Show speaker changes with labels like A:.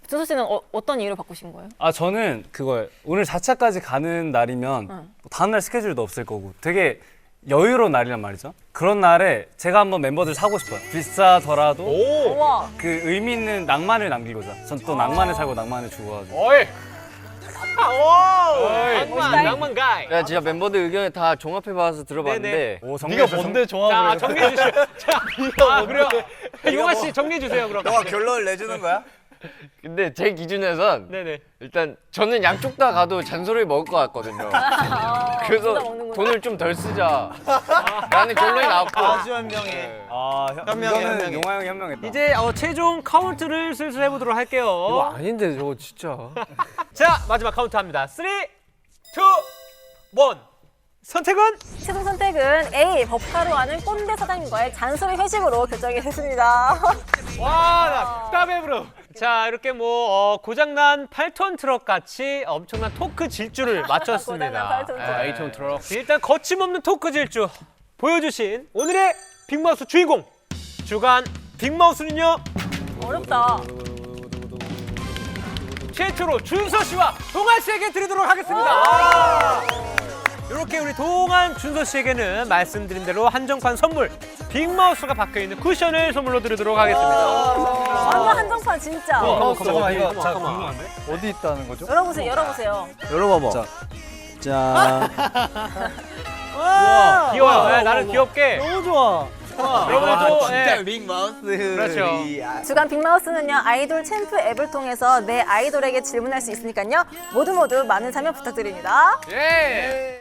A: 준서 씨는 어떤 이유로 바꾸신 거예요?
B: 아 저는 그거예요. 오늘 4차까지 가는 날이면 다음날 스케줄도 없을 거고 되게 여유로운 날이란 말이죠. 그런 날에 제가 한번 멤버들 사고 싶어요. 비싸더라도
A: 우와.
B: 그 의미 있는 낭만을 남기고자. 전 또 낭만을 살고 낭만을 주고가지고.
C: 어이. 낭만 가이.
D: 야, 진짜 멤버들 의견을 다 종합해봐서 들어봤는데
B: 오,
C: 네가 뭔데 정확하게?
E: 자, 정리해 주시죠. 자,
C: 그래요?
E: 용화 씨 정리해 주세요, 그럼.
F: 너가 결론을 내주는 거야?
D: 근데 제 기준에선
E: 네네.
D: 일단 저는 양쪽 다 가도 잔소리를 먹을 것 같거든요. 그래서
A: 진짜 먹는구나.
D: 돈을 좀 덜 쓰자 라는 결론이 나왔고
F: 아주 현명해.
B: 아,
F: 현명해,
B: 이거는
F: 현명해.
B: 용화 형이 현명했다.
E: 이제 최종 카운트를 슬슬 해보도록 할게요.
D: 아닌데 저거 진짜
E: 자, 마지막 카운트 합니다. 3, 2, 1. 선택은?
A: 최종 선택은 A. 법카로 하는 꼰대 사장님과의 잔소리 회식으로 결정이 됐습니다.
E: 와, 나 따베브로. 자, 이렇게 고장난 8톤 트럭 같이 엄청난 토크 질주를 마쳤습니다.
A: 고장난 8톤 트럭.
E: 네. 8톤 트럭. 일단 거침없는 토크 질주 보여주신 오늘의 빅마우스 주인공 주간 빅마우스는요
A: 어렵다.
E: 최초로 준서 씨와 동환 씨에게 드리도록 하겠습니다. 이렇게 우리 동환, 준서 씨에게는 말씀드린 대로 한정판 선물 빅마우스가 박혀있는 쿠션을 선물로 드리도록 하겠습니다.
A: 완전 한정판 진짜.
B: 잠깐만 이거 자
E: 잠깐만.
B: 궁금한데?
C: 어디 있다는 거죠?
A: 열어보세요, 열어보세요.
C: 열어봐봐.
F: 자,
E: 귀여워요. 네, 나는 귀엽게.
C: 너무 좋아.
E: 여러분도
F: 진짜 빅마우스.
E: 그렇죠.
A: 주간 빅마우스는요, 아이돌 챔프 앱을 통해서 내 아이돌에게 질문할 수 있으니까요, 모두 많은 참여 부탁드립니다.
E: 예.